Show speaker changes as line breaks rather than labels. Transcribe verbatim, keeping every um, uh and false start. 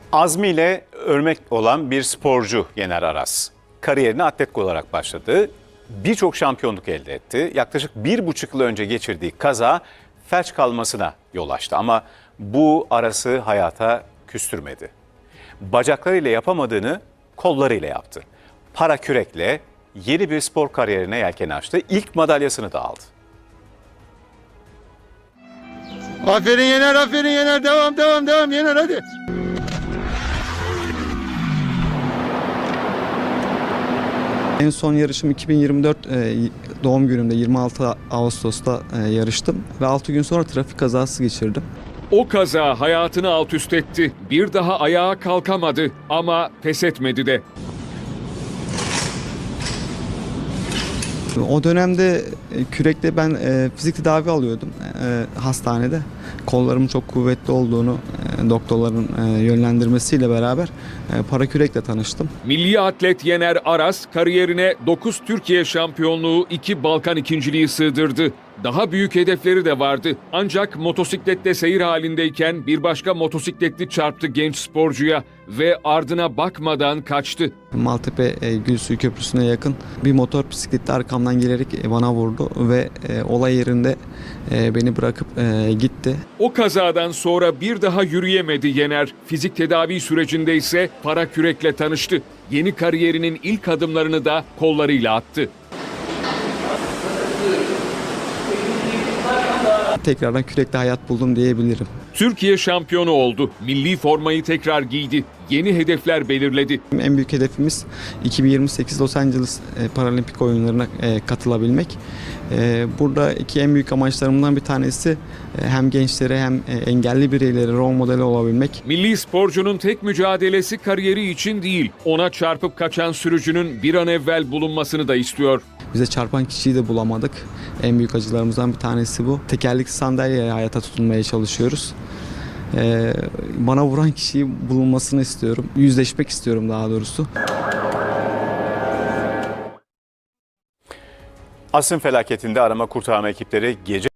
Azmiyle örnek olan bir sporcu Yener Aras. Kariyerine atlet olarak başladı. Birçok şampiyonluk elde etti. Yaklaşık bir buçuk yıl önce geçirdiği kaza felç kalmasına yol açtı. Ama bu Aras'ı hayata küstürmedi. Bacaklarıyla yapamadığını kollarıyla yaptı. Para kürekle yeni bir spor kariyerine yelken açtı. İlk madalyasını da aldı.
Aferin Yener, aferin Yener. Devam, devam, devam Yener hadi.
En son yarışım iki bin yirmi dört e, doğum günümde yirmi altı Ağustos'ta e, yarıştım ve altı gün sonra trafik kazası geçirdim.
O kaza hayatını alt üst etti. Bir daha ayağa kalkamadı ama pes etmedi de.
O dönemde e, kürekle ben e, fizik tedavi alıyordum e, hastanede. Kollarımın çok kuvvetli olduğunu e, doktorların e, yönlendirmesiyle beraber e, para kürekle tanıştım.
Milli atlet Yener Aras kariyerine dokuz Türkiye şampiyonluğu, iki Balkan ikinciliği sığdırdı. Daha büyük hedefleri de vardı. Ancak motosiklette seyir halindeyken bir başka motosikletli çarptı genç sporcuya ve ardına bakmadan kaçtı.
Maltepe e, Gülsuyu Köprüsü'ne yakın bir motor bisikletle arkamdan gelerek e, bana vurdu ve e, olay yerinde e, beni bırakıp e, gitti.
O kazadan sonra bir daha yürüyemedi Yener. Fizik tedavi sürecinde ise para kürekle tanıştı. Yeni kariyerinin ilk adımlarını da kollarıyla attı.
Tekrardan kürekle hayat buldum diyebilirim.
Türkiye şampiyonu oldu. Milli formayı tekrar giydi. Yeni hedefler belirledi.
En büyük hedefimiz iki bin yirmi sekiz Los Angeles Paralimpik oyunlarına katılabilmek. Buradaki en büyük amaçlarımdan bir tanesi hem gençlere hem engelli bireylere rol modeli olabilmek.
Milli sporcunun tek mücadelesi kariyeri için değil, ona çarpıp kaçan sürücünün bir an evvel bulunmasını da istiyor.
Bize çarpan kişiyi de bulamadık. En büyük acılarımızdan bir tanesi bu. Tekerlekli sandalyeyle hayata tutunmaya çalışıyoruz. Ee, bana vuran kişiyi bulunmasını istiyorum. Yüzleşmek istiyorum daha doğrusu.
Asım felaketinde arama kurtarma ekipleri gece